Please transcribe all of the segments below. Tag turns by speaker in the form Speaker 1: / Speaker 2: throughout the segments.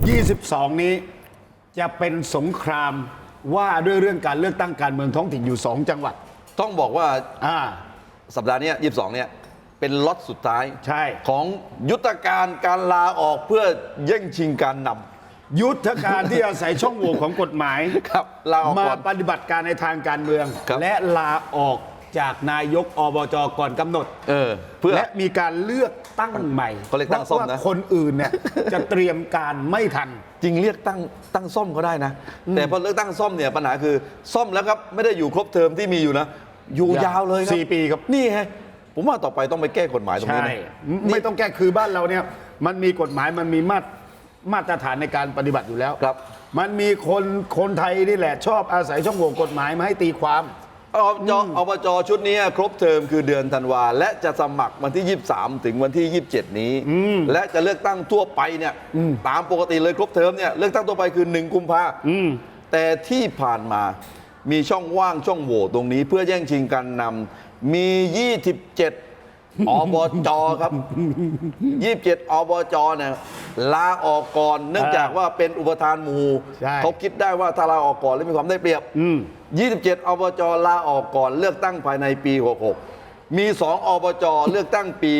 Speaker 1: 22 นี้จะเป็นสงครามว่าด้วยเรื่องการเลือกตั้งการเมืองท้องถิ่นอยู่ 2 จังหวัด
Speaker 2: ต้องบอกว่า
Speaker 1: อ่า
Speaker 2: สัปดาห์นี้22เนี่ยเป็นล็อตสุดท้าย
Speaker 1: ใช่
Speaker 2: ของยุทธการการลาออกเพื่อแย่งชิงการนำ
Speaker 1: ยุทธการที่อาศัยช่องโหว่ของกฎหมาย
Speaker 2: ครับลาออก
Speaker 1: มา
Speaker 2: ก่อน
Speaker 1: ปฏิบัติการในทางการเมือง
Speaker 2: ครับ
Speaker 1: และลาออกจากนายกอบจก่อนกำหนด
Speaker 2: เพื่อ
Speaker 1: และมีการเลือกตั้งใหม่
Speaker 2: เขาเรียกตั้งซ่อมนะ
Speaker 1: เพราะว่าคนอื่นเนี่ย จะเตรียมการไม่ทัน
Speaker 2: จริงเรียกตั้งซ่อมก็ได้นะ แต่พอเลือกตั้งซ่อมเนี่ยปัญหาคือซ่อมแล้วครับไม่ได้อยู่ครบเทอมที่มีอยู่นะ อยู่ยาวเลยครับ
Speaker 1: 4 ปีครับ
Speaker 2: นี่ไงผมว่าต่อไปต้องไปแก้กฎหมายตรงนี้
Speaker 1: ใช่
Speaker 2: นะ
Speaker 1: ไม่ต้องแก้คือบ้านเราเนี่ยมันมีกฎหมายมันมีมาตรฐานในการปฏิบัติอยู่แล้ว
Speaker 2: ครับ
Speaker 1: มันมีคนไทยนี่แหละชอบอาศัยช่องโหว่กฎหมายมาให้ตีความ
Speaker 2: อบจชุดนี้ครบเทอมคือเดือนธันวาและจะสมัครวันที่ 23 ถึงวันที่ 27 นี้ และจะเลือกตั้งทั่วไปเนี่ยตามปกติเลยครบเทอมเนี่ยเลือกตั้งทั่วไปคือ 1 กุมภาแต่ที่ผ่านมามีช่องว่างช่องโหว่ตรงนี้เพื่อแย่งชิงการนำมี 27 อบจครับ 27 อบจเนี่ยลาออกก่อนเนื่องจากว่าเป็นอุปทานหมู่
Speaker 1: ใช่
Speaker 2: เขาคิดได้ว่าถ้าลาออกก่อนแล้วมีความได้เปรียบ 27 อบจลาออกก่อนเลือกตั้งภายในปี 66 มี 2 อบจเลือกตั้งปี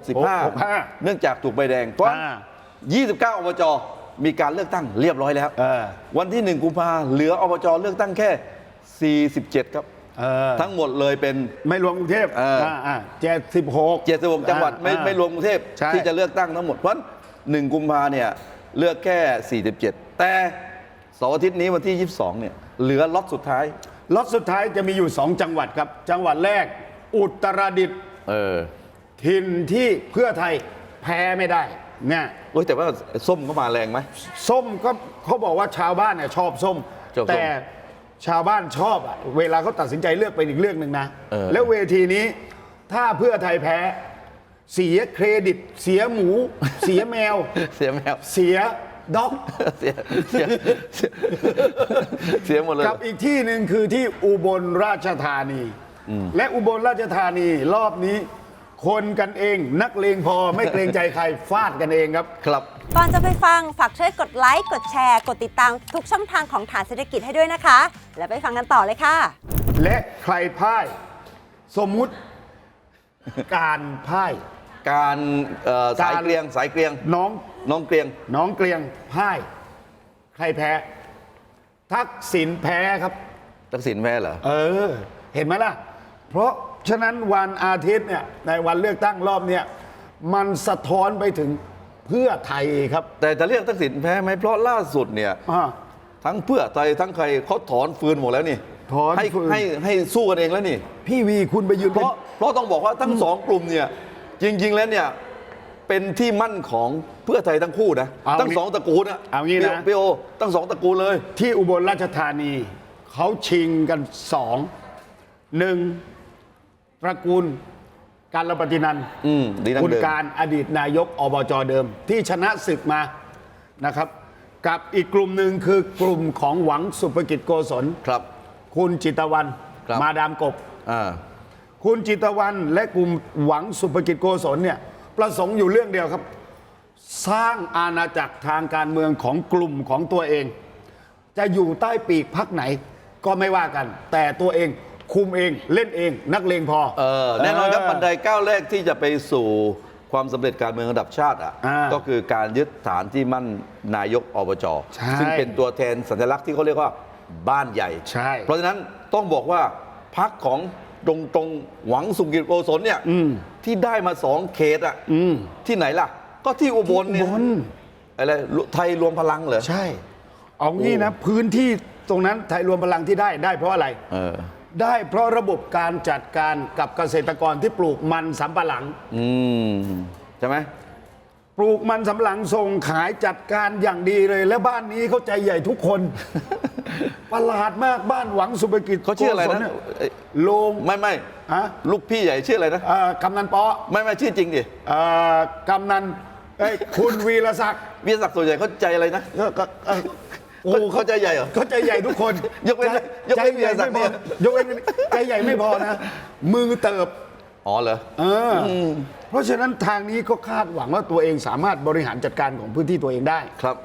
Speaker 2: 65 เนื่องจากถูกใบแดง เพราะ 29 อบจมีการเลือกตั้งเรียบร้อยแล้ว วันที่ 1 กุมภาเหลืออบจเลือกตั้งแค่ 47 ครับ ทั้งหมดเลยเป็น
Speaker 1: ไม่รวมกรุงเทพ76
Speaker 2: 76 จังหวัดไม่รวมกรุงเทพ
Speaker 1: ใช่
Speaker 2: ที่จะเลือกตั้งทั้งหมด เพราะ 1 กุมภาเนี่ยเลือกแค่ 47 แต่เสาร์อาทิตย์นี้วันที่ 22 เนี่ยเหลือล็อตสุดท้าย
Speaker 1: ล็อตสุดท้ายจะมีอยู่ 2 จังหวัดครับ จังหวัดแรกอุตรดิตถ์ถิ่นที่เพื่อไทยแพ้ไม่ได้เนี่ย
Speaker 2: แต่ว่าส้มก็มาแรงไหม
Speaker 1: ส้มก็เขาบอกว่าชาวบ้านเนี่ยชอบส้ม
Speaker 2: ชอบส้ม
Speaker 1: แต่ชาวบ้านชอบอะเวลาเขาตัดสินใจเลือกเป็นอีกเรื่องหนึ่งนะ แล้วเวทีนี้ถ้าเพื่อไทยแพ้เสียเครดิต เสียหมู เสียแมว
Speaker 2: เสียแมว
Speaker 1: เสียด็อก
Speaker 2: เสียหมดเลย
Speaker 1: กับอีกที่หนึ่งคือที่อุบลราชธานี และอุบลราชธานีรอบนี้ คนกันเองนักเลงพอไม่เกรงใจใครฟาดกันเองครับ
Speaker 2: ครับ
Speaker 3: ก่อนจะไปฟังฝากช่วยกดไลค์ กดแชร์ กดติดตามทุกช่องทางของฐานเศรษฐกิจให้ด้วยนะคะ แล้วไปฟังกันต่อเลยค่ะ
Speaker 1: และใครพ่ายสมมุติการพ่าย
Speaker 2: การสายเกลียง
Speaker 1: น้อง
Speaker 2: เกลียง
Speaker 1: เกลียงพ่าย ใครแพ้ ทักษิณแพ้ครับ
Speaker 2: ทักษิณแพ้เหรอ
Speaker 1: เห็นไหมล่ะ เพราะฉะนั้นวันอาทิตย์เนี่ยในวันเลือกตั้งรอบเนี่ยมันสะท้อนไปถึงเพื่อไทยครับ
Speaker 2: แต่จะเรียกทักษิณแพ้ไหมเพราะล่าสุดเนี่ยทั้งเพื่อไทยทั้งใครเขาถอนฟืนหมดแล้วนี่
Speaker 1: ถอนฟืน
Speaker 2: ให้สู้กันเองแล้วนี่
Speaker 1: พี่วีคุณไปยืน
Speaker 2: เพราะต้องบอกว่าทั้งสองกลุ่มเนี่ยจริง ๆ แล้วเนี่ยเป็นที่มั่นของเพื่อไทยทั้งคู่นะทั้งสองตระกูลนะ
Speaker 1: เอางี้นะ
Speaker 2: พี่โอทั้งสองตระกูลเลย
Speaker 1: ที่อุบลราชธานีเขาชิงกันหนึ่งตระกูลการระปฏินันท์
Speaker 2: ดีนั่ง
Speaker 1: คุณ
Speaker 2: เดิม
Speaker 1: การอดีตนายกอบจเดิม ที่ชนะศึกมานะครับ กับอีกกลุ่มหนึ่งคือกลุ่มของหวังสุภกิจโกศล
Speaker 2: ครับ
Speaker 1: คุณจิตรวรรณ
Speaker 2: ครับ
Speaker 1: มาดามกบ
Speaker 2: อ่า
Speaker 1: คุณจิตรวรรณและกลุ่มหวังสุภกิจโกศลเนี่ยประสงค์อยู่เรื่องเดียวครับ สร้างอาณาจักรทางการเมืองของกลุ่มของตัวเอง จะอยู่ใต้ปีกพรรคไหนก็ไม่ว่ากัน แต่ตัวเองคุมเองเล่นเองนักเลงพอ
Speaker 2: แน่นอนครับบันไดก้าวแรกที่จะไปสู่ความสำเร็จการเมืองระดับชาติก็คือการยึดฐานที่มั่นนายกอบจ
Speaker 1: ใช่
Speaker 2: ซึ่งเป็นตัวแทนสัญลักษณ์ที่เขาเรียกว่าบ้านใหญ่
Speaker 1: ใช่
Speaker 2: เพราะฉะนั้นต้องบอกว่าพรรคของตรงหวังสุขกิจโกศลเนี่ยที่ได้มา2 เขตที่ไหนล่ะ ก็ที่อุบลเนี่ยอะไรไทยรวมพลังเหรอ
Speaker 1: ใช่ เอางี้นะพื้นที่ตรงนั้นไทยรวมพลังที่ได้เพราะอะไรได้เพราะระบบการจัดการกับเกษตรกรที่ปลูกมันสำปะหลัง
Speaker 2: ใช่ไหม
Speaker 1: ปลูกมันสำปะหลังส่งขายจัดการอย่างดีเลย และบ้านนี้เขาใจใหญ่ทุกคน ประหลาดมากบ้านหวังสุภกิจ
Speaker 2: เขาชื่ออะไรนะ
Speaker 1: โลง
Speaker 2: ไม่
Speaker 1: ฮะ
Speaker 2: ลูกพี่ใหญ่ชื่ออะไรนะ
Speaker 1: กำนันปอ
Speaker 2: ไม่ชื่อจริงดิ
Speaker 1: กำนันคุณวีรศักดิ์
Speaker 2: วีรศักดิ์ส่วนใหญ่เขาใจอะไรนะ
Speaker 1: โอ้
Speaker 2: เขาใจใหญ่เหรอ
Speaker 1: เขาใจใหญ่ทุกคน
Speaker 2: ยกเว้น
Speaker 1: ใจใหญ่ไม่พอยกเว้นใจใหญ่ไม่พอนะ มือเติบ
Speaker 2: อ๋อเหรอ
Speaker 1: เพราะฉะนั้นทางนี้ก็คาดหวังว่าตัวเองสามารถบริหารจัดการของพื้นที่ตัวเองได้
Speaker 2: ครับ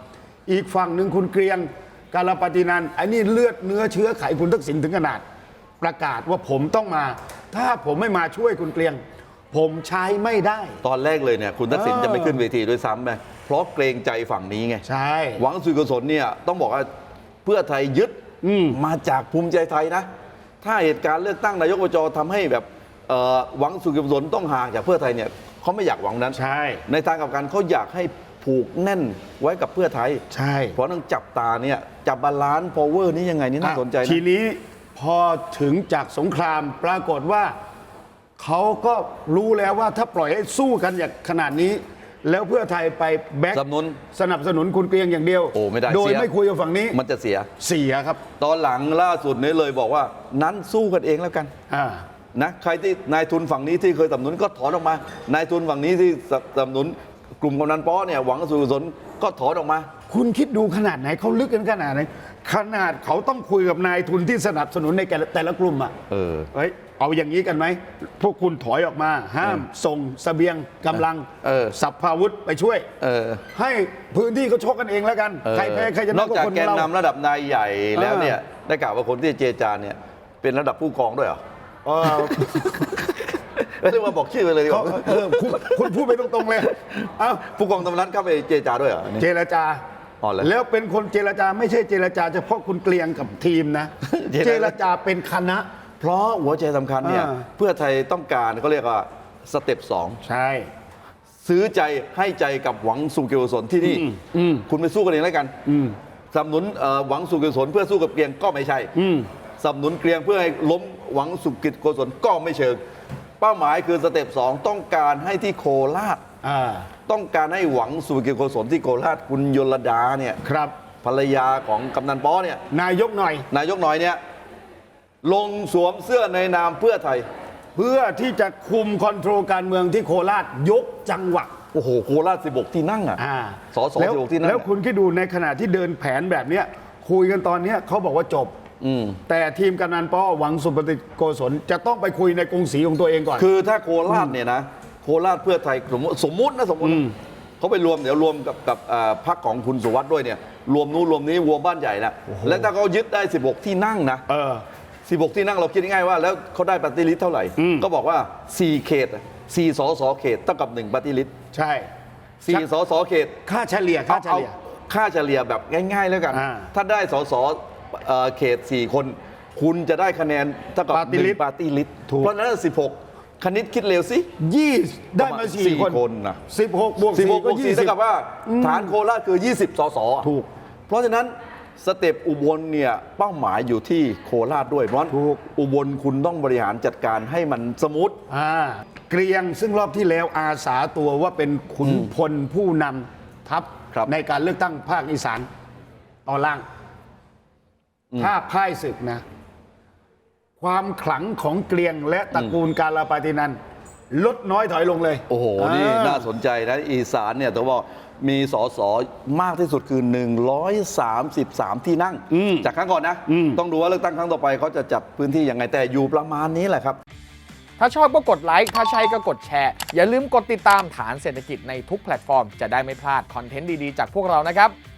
Speaker 1: อีกฝั่งหนึ่งคุณเกรียงกาลปฏินันท์ไอ้นี่เลือดเนื้อเชื้อไขคุณทักษิณถึงขนาด ประกาศว่าผมต้องมา ถ้าผมไม่มาช่วยคุณเกรียง ผมใช้ไม่ได้
Speaker 2: ตอนแรกเลยเนี่ยคุณทักษิณจะไม่ขึ้นเวทีด้วยซ้ำไปเพราะเกรงใจฝั่งนี้ไง
Speaker 1: ใช่
Speaker 2: หวังสุกุศลเนี่ยต้องบอกว่าเพื่อไทยยึดมาจากภูมิใจไทยนะ ถ้าเหตุการณ์เลือกตั้งนายกอบจทำให้แบบหวังสุกุศลต้องห่างจากเพื่อไทยเนี่ยเขาไม่อยากหวังนั้น
Speaker 1: ใช่
Speaker 2: ในทางกลับกันเขาอยากให้ผูกแน่นไว้กับเพื่อไทย
Speaker 1: ใช่
Speaker 2: เพราะต้องจับตาเนี่ยจับบาลานซ์พาวเวอร์นี้ยังไงนี่น่าสนใจนะ
Speaker 1: ทีนี้พอถึงจากสงครามปรากฏว่าเขาก็รู้แล้วว่าถ้าปล่อยให้สู้กันอย่างขนาดนี้ แล้วเพื่อไทยไปแบ็ค
Speaker 2: สนับสนุน
Speaker 1: สนับสนุนคุณเกรียงอย่างเดียว
Speaker 2: โอ้ไม่ได้
Speaker 1: โดย
Speaker 2: เสีย
Speaker 1: ไม่คุยกับฝั่งนี้
Speaker 2: มันจะเสีย
Speaker 1: เสียครับ
Speaker 2: ตอนหลังล่าสุดนี้เลยบอกว่านั้นสู้กันเองแล้วกัน
Speaker 1: อ่า
Speaker 2: นะใครที่นายทุนฝั่งนี้ที่เคยสนับสนุนก็ถอนออกมา นายทุนฝั่งนี้ที่สนับสนุนกลุ่มกำนันป้อเนี่ยหวังสุกุศลก็ถอนออกมา
Speaker 1: คุณคิดดูขนาดไหนเขาลึกกันขนาดไหนขนาดเขาต้องคุยกับนายทุนที่สนับสนุนในแต่ละกลุ่มอ่ะ เฮ้ยเอาอย่างนี้กันไหมพวกคุณถอยออกมา ห้ามส่งเสบียงกำลังสัพพาวุธไปช่วยให้พื้นที่เขาชกกันเองแล้วกัน ใครแพ้ใครช
Speaker 2: น
Speaker 1: นะ
Speaker 2: อก
Speaker 1: ก็
Speaker 2: จาก
Speaker 1: คน
Speaker 2: แกน
Speaker 1: เรา
Speaker 2: นำระดับนายใหญ่แล้วเนี่ยได้กล่าวว่าคนที่เจรจาเนี่ยเป็นระดับผู้กองด้วยเหรอ
Speaker 1: เออ
Speaker 2: ไม่ได้มาบอกชื่อไปเลยดีก
Speaker 1: เขา
Speaker 2: ว่า
Speaker 1: คุณพูดไปตรงๆเลยเอ้า
Speaker 2: ผู้กองตำนันเข้าไปเจรจาด้วยเหรอนี่
Speaker 1: เจรจา
Speaker 2: อ๋อเหรอ
Speaker 1: แล้วเป็นคนเจรจาไม่ใช่เจรจาเฉพาะคุณเกลียงกับทีมนะ เจรจาเป็นคณะ
Speaker 2: เพราะหัวใจสำคัญเนี่ย
Speaker 1: อ่า
Speaker 2: เพื่อไทยต้องการเขาเรียกว่าสเต็ปสอง
Speaker 1: ใช่
Speaker 2: ซื้อใจให้ใจกับหวังสุกุศลที่นี่คุณไปสู้กันเองแล้วกันสนับสนุนหวังสุกุศลเพื่อสู้กับเกรียงก็ไม่ใช่สนับสนุนเกรียงเพื่อให้ล้มหวังสุกุศลก็ไม่เชิง เป้าหมายคือสเต็ปสองต้องการให้ที่โคราช
Speaker 1: อ่า
Speaker 2: ต้องการให้หวังสุกุศลที่โคราชคุณยลดาเนี่ย
Speaker 1: ครับ
Speaker 2: ภรรยาของกำนันป้อเนี่ย
Speaker 1: นายกหน่อย
Speaker 2: นายกหน่อยเนี่ยลงสวมเสื้อในนามเพื่อไทย
Speaker 1: เพื่อที่จะคุมคอนโทรลการเมืองที่โคราชยกจังหวัด
Speaker 2: โอ้โหโคราช16 ที่นั่งอ่ะ สส
Speaker 1: แล้ว
Speaker 2: 16 ที่นั่ง
Speaker 1: แล้วคุณคิดดูในขณะที่เดินแผนแบบเนี้ยคุยกันตอนเนี้ยเขาบอกว่าจบ แต่ทีมกำนันป้อหวังสุปฏิโกศลจะต้องไปคุยในกรุงศรีของตัวเองก่อน
Speaker 2: คือถ้าโคราชเนี่ยนะโคราชเพื่อไทยสมมุตินะเขาไปรวมเดี๋ยวรวมกับพรรคของคุณสุวัสด์ด้วยเนี่ยรวมนู้นรวมนี้รวมบ้านใหญ่นะและถ้าเขายึดได้ 16 ที่นั่งนะ 16 ที่นั่งเราคิดง่ายๆว่าแล้วเขาได้ปฏิริษีเท่าไหร่ ก็บอกว่า 4 เขต 4 สสเขตเท่ากับ 1 ปฏิริษี
Speaker 1: ใช่
Speaker 2: 4 สสเขต
Speaker 1: ค่าเฉลี่ยค่าเฉลี่ย
Speaker 2: เอาค่าเฉลี่ยแบบง่ายๆแล้วกัน
Speaker 1: อ่า
Speaker 2: ถ้าได้สสเขต 4 คน คุณจะได้คะแนนเท่ากับ
Speaker 1: ปฏิริษี
Speaker 2: 1 ปฏิริษี
Speaker 1: ถูก
Speaker 2: เพราะฉะนั้น 16 คณิตคิดเร็วสิ
Speaker 1: ได้มา
Speaker 2: สี่
Speaker 1: 4 คน
Speaker 2: คนนะ
Speaker 1: 16 บวก
Speaker 2: 16
Speaker 1: 4
Speaker 2: บ
Speaker 1: ก็
Speaker 2: วก4เท่ากับว่าฐานโคราชคือ 20 สสอ่ะ
Speaker 1: ถูก
Speaker 2: เพราะฉะนั้นสเต็ปอุบลเนี่ยเป้าหมายอยู่ที่โคราชด้วยเพราะฉะนั้น
Speaker 1: ถูก
Speaker 2: อุบลคุณต้องบริหารจัดการให้มันสมูท
Speaker 1: เกรียงซึ่งรอบที่แล้วอาสาตัวว่าเป็นขุนพลผู้นำทัพ
Speaker 2: ครับ
Speaker 1: ในการเลือกตั้งภาคอีสานตอนล่าง ถ้าพ่ายศึกนะ ความขลังของเกรียงและตระกูลกาลปฏินันท์ลดน้อยถอยลงเลย
Speaker 2: โอ้โห นี่น่าสนใจนะอีสานเนี่ยแต่ว่ามีสสมากที่สุดคือ 133 ที่นั่ง จากครั้งก่อนนะ ต้องดูว่าเลือกตั้งครั้งต่อไปเขาจะจัดพื้นที่ยังไงแต่อยู่ประมาณนี้แหละครับ
Speaker 4: ถ้าชอบก็กดไลค์ ถ้าใช่ก็กดแชร์ อย่าลืมกดติดตามฐานเศรษฐกิจในทุกแพลตฟอร์ม จะได้ไม่พลาดคอนเทนต์ดี ๆ จากพวกเรานะครับ